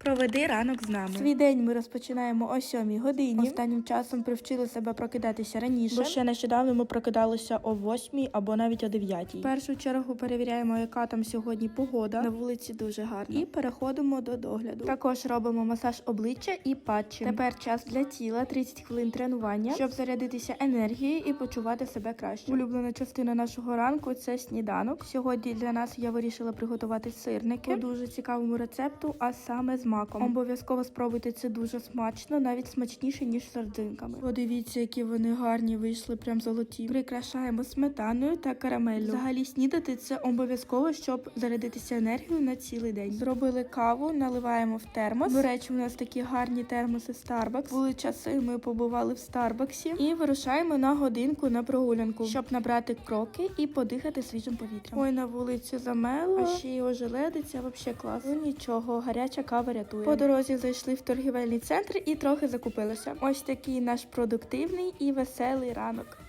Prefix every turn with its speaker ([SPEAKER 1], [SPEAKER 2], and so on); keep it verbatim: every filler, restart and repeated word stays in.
[SPEAKER 1] Проведи ранок з нами. Свій день ми розпочинаємо о сьомій годині. Останнім часом привчили себе прокидатися раніше, бо ще нещодавно ми прокидалися о восьмій або навіть о дев'ятій. В першу чергу перевіряємо, яка там сьогодні погода. На вулиці дуже гарно. І переходимо до догляду. Також робимо масаж обличчя і патчі. Тепер час для тіла, тридцять хвилин тренування, щоб зарядитися енергією і почувати себе краще. Улюблена частина нашого ранку – це сніданок. Сьогодні для нас я вирішила приготувати сирники по дуже цікавому рецепту, а саме з маком. Обов'язково спробуйте, це дуже смачно, навіть смачніше, ніж з сардинками. Подивіться, які вони гарні вийшли, прям золоті. Прикрашаємо сметаною та карамеллю. Взагалі снідати – це обов'язково, щоб зарядитися енергією на цілий день. Зробили каву, наливаємо в термос. До речі, у нас такі гарні термоси Starbucks. Були часи, ми побували в Старбаксі. І вирушаємо на годинку на прогулянку, щоб набрати кроки і подихати свіжим повітрям. Ой, на вулиці замело, а ще й ожеледиться, взагалі клас. Ну нічого, гаряча кава рятує. По дорозі зайшли в торгівельний центр і трохи закупилися. Ось такий наш продуктивний і веселий ранок.